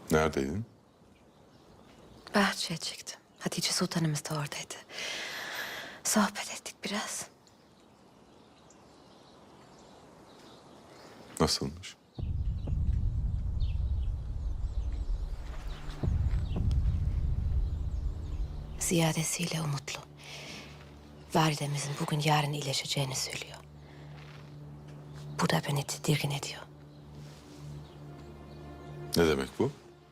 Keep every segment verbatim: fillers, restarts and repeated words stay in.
Neredeydin? Bahçeye çıktım. Hatice Sultanımız da oradaydı. Sohbet ettik biraz. Nasılmış? Ziyadesiyle umutlu. Validemizin bugün yarın iyileşeceğini söylüyor. Bu da beni tedirgin ediyor. Ne demek bu?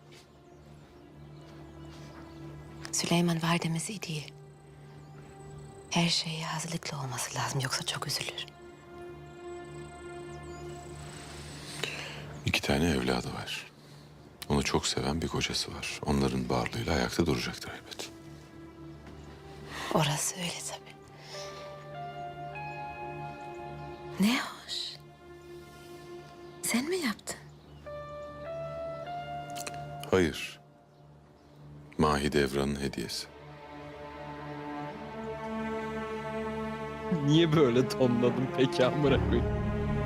Süleyman validemiz iyi değil. Her şeye hazırlıklı olması lazım, yoksa çok üzülür. İki tane evladı var. Onu çok seven bir kocası var. Onların varlığıyla ayakta duracaktır elbet. Orası öyle tabii. Ne hoş. Sen mi yaptın? Hayır. Mahidevran'ın hediyesi. Niye böyle tonladın peki amına koyayım?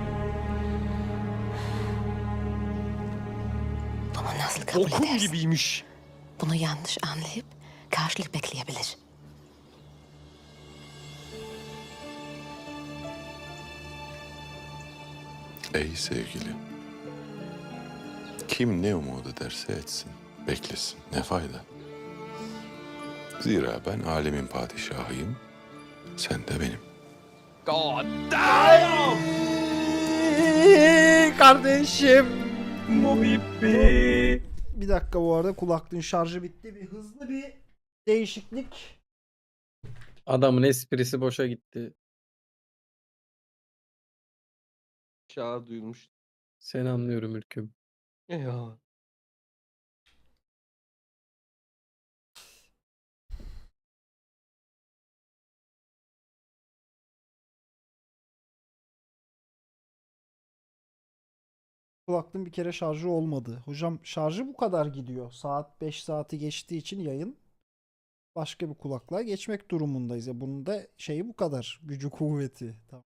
Bunu nasıl kabul Okul edersin? gibiymiş. Bunu yanlış anlayıp karşılık bekleyebilir. Ey sevgili. Kim ne umut ederse etsin. Beklesin. Ne fayda? Zira ben alemin padişahıyım. Sen de benim. God damn! Kardeşim. Mobibi. Bir dakika, bu arada kulaklığın şarjı bitti. Bir hızlı bir değişiklik. Adamın esprisi boşa gitti. Çağ duyulmuş. Seni anlıyorum Ülküm. Ya. Kulaklığın bir kere şarjı olmadı. Hocam şarjı bu kadar gidiyor. Saat beş saati geçtiği için yayın başka bir kulaklığa geçmek durumundayız. Ya bunun da şeyi bu kadar. Gücü kuvveti. Tamam.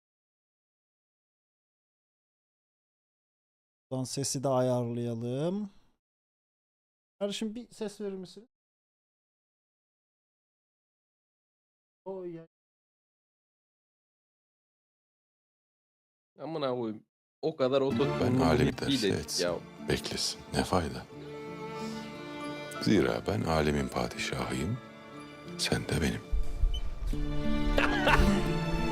Buradan sesi de ayarlayalım. Kardeşim bir ses verir misin? O ya. Amına koyayım. O kadar Ben ototonlu alemi Mobibi derse dedik etsin. ya. Beklesin. Ne fayda? Zira ben alemin padişahıyım. Sen de benim.